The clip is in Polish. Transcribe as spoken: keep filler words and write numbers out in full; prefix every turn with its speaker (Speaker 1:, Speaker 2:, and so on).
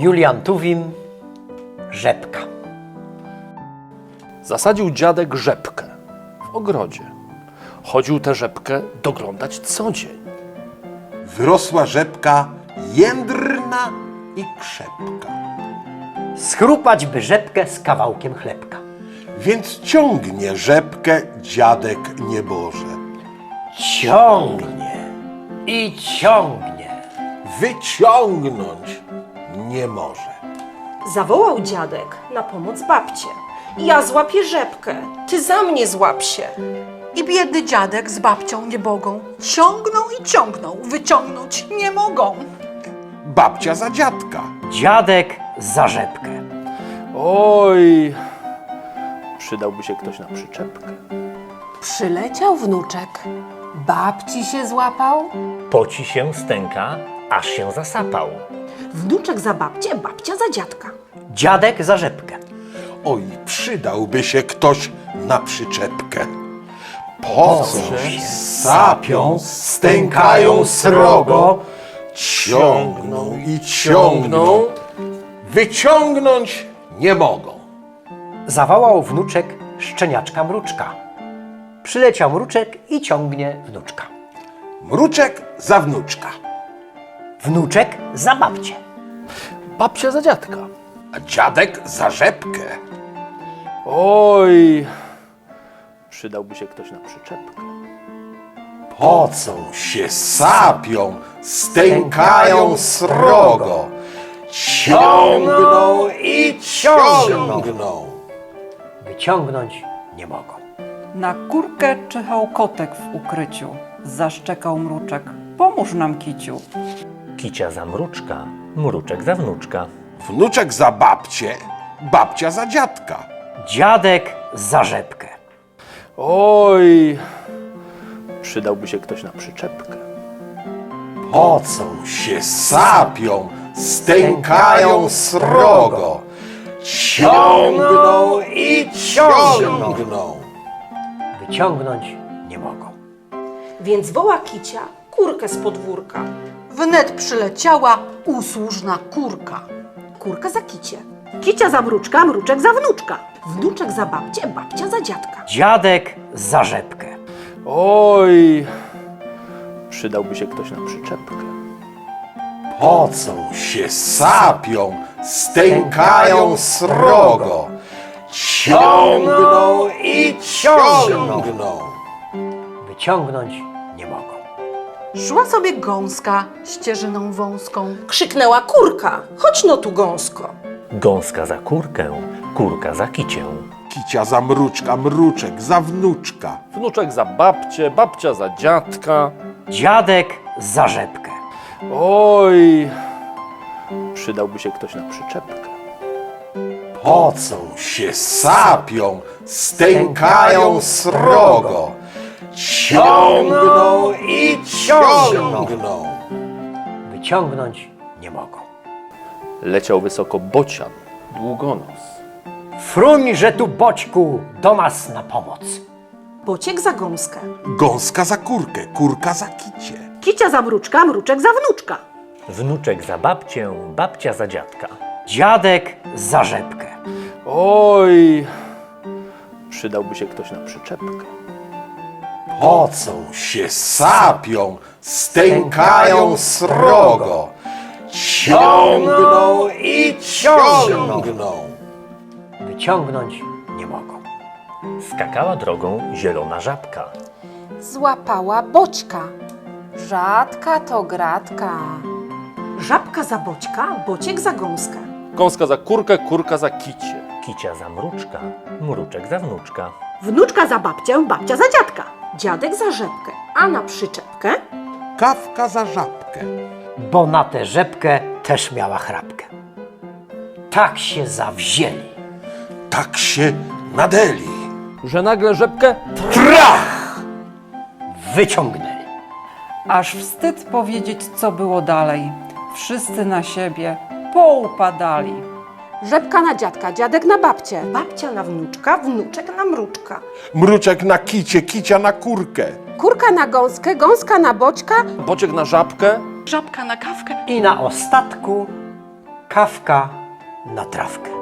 Speaker 1: Julian Tuwim, rzepka.
Speaker 2: Zasadził dziadek rzepkę w ogrodzie. Chodził tę rzepkę doglądać co dzień.
Speaker 3: Wyrosła rzepka jędrna i krzepka.
Speaker 1: Schrupać by rzepkę z kawałkiem chlebka.
Speaker 3: Więc ciągnie rzepkę dziadek nieboże.
Speaker 1: Ciągnie i ciągnie.
Speaker 3: Wyciągnąć nie może.
Speaker 4: Zawołał dziadek na pomoc babcię. Ja złapię rzepkę, ty za mnie złap się.
Speaker 5: I biedny dziadek z babcią nie mogą. Ciągną i ciągną, wyciągnąć nie mogą.
Speaker 3: Babcia za dziadka.
Speaker 1: Dziadek za rzepkę.
Speaker 2: Oj, przydałby się ktoś na przyczepkę.
Speaker 6: Przyleciał wnuczek, babci się złapał.
Speaker 7: Poci się stęka, aż się zasapał.
Speaker 4: Wnuczek za babcię, babcia za dziadka.
Speaker 1: Dziadek za rzepkę.
Speaker 3: Oj, przydałby się ktoś na przyczepkę. Pocą się, sapią, stękają srogo, ciągną i ciągną, wyciągnąć nie mogą.
Speaker 1: Zawołał wnuczek szczeniaczka mruczka. Przyleciał mruczek i ciągnie wnuczka.
Speaker 3: Mruczek za wnuczka,
Speaker 1: Wnuczek za babcię.
Speaker 2: Babcia za dziadka.
Speaker 3: a dziadek za rzepkę.
Speaker 2: Oj, przydałby się ktoś na przyczepkę.
Speaker 3: Pocą się, sapią, stękają srogo, ciągną i ciągną.
Speaker 1: Wyciągnąć nie mogą.
Speaker 8: Na kurkę czyhał kotek w ukryciu. Zaszczekał mruczek. Pomóż nam, kiciu.
Speaker 7: Kicia za mruczka, mruczek za wnuczka.
Speaker 3: Wnuczek za babcię, babcia za dziadka.
Speaker 1: Dziadek za rzepkę.
Speaker 2: Oj, przydałby się ktoś na przyczepkę.
Speaker 3: Pocą się, sapią, stękają srogo, ciągną i ciągną.
Speaker 1: Wyciągnąć nie mogą.
Speaker 4: Więc woła kicia kurkę z podwórka.
Speaker 5: Wnet przyleciała usłużna kurka.
Speaker 4: Kurka za kicie. Kicia za mruczka, mruczek za wnuczka. Wnuczek za babcię, babcia za dziadka.
Speaker 1: Dziadek za rzepkę.
Speaker 2: Oj, przydałby się ktoś na przyczepkę.
Speaker 3: Pocą się, sapią, stękają srogo, ciągną i ciągną.
Speaker 1: Wyciągnąć nie mogą.
Speaker 5: Szła sobie gąska ścieżyną wąską.
Speaker 4: Krzyknęła kurka, chodź no tu gąsko.
Speaker 7: Gąska za kurkę, kurka za kicię.
Speaker 3: Kicia za mruczka, mruczek za wnuczka.
Speaker 2: Wnuczek za babcię, babcia za dziadka.
Speaker 1: Dziadek za rzepkę.
Speaker 2: Oj, przydałby się ktoś na przyczepkę.
Speaker 3: Pocą się, sapią, stękają srogo, ciągną i ciągną.
Speaker 1: Wyciągnąć nie mogą.
Speaker 2: Leciał wysoko bocian, długonos.
Speaker 1: Fruń, że tu boćku do nas na pomoc.
Speaker 4: Bociek za gąskę.
Speaker 3: Gąska za kurkę, kurka za kicie.
Speaker 4: Kicia za mruczka, mruczek za wnuczka.
Speaker 7: Wnuczek za babcię, babcia za dziadka.
Speaker 1: Dziadek za rzepkę.
Speaker 2: Oj, przydałby się ktoś na przyczepkę.
Speaker 3: Pocą się, sapią, stękają srogo, ciągną i ciągną.
Speaker 1: Wyciągnąć nie mogą.
Speaker 7: Skakała drogą zielona żabka.
Speaker 6: Złapała boćka. Rzadka to gratka.
Speaker 4: Żabka za boćka, bociek za gąskę.
Speaker 2: Gąska za kurkę, kurka za kicie.
Speaker 7: Kicia za mruczka, mruczek za wnuczka.
Speaker 4: Wnuczka za babcię, babcia za dziadka. Dziadek za rzepkę, a na przyczepkę
Speaker 3: Kawka za żabkę.
Speaker 1: Bo na tę rzepkę też miała chrapkę. Tak się zawzięli.
Speaker 3: Tak się nadeli.
Speaker 2: Że nagle rzepkę
Speaker 3: Trach!
Speaker 1: Wyciągnęli.
Speaker 8: Aż wstyd powiedzieć, co było dalej. Wszyscy na siebie poupadali.
Speaker 6: Rzepka na dziadka, dziadek na babcię.
Speaker 4: babcia na wnuczka, wnuczek na mruczka.
Speaker 3: Mruczek na kicie, kicia na kurkę.
Speaker 6: Kurka na gąskę, gąska na boćka.
Speaker 2: bociek na żabkę.
Speaker 5: Żabka na kawkę.
Speaker 1: I na ostatku kawka na trawkę.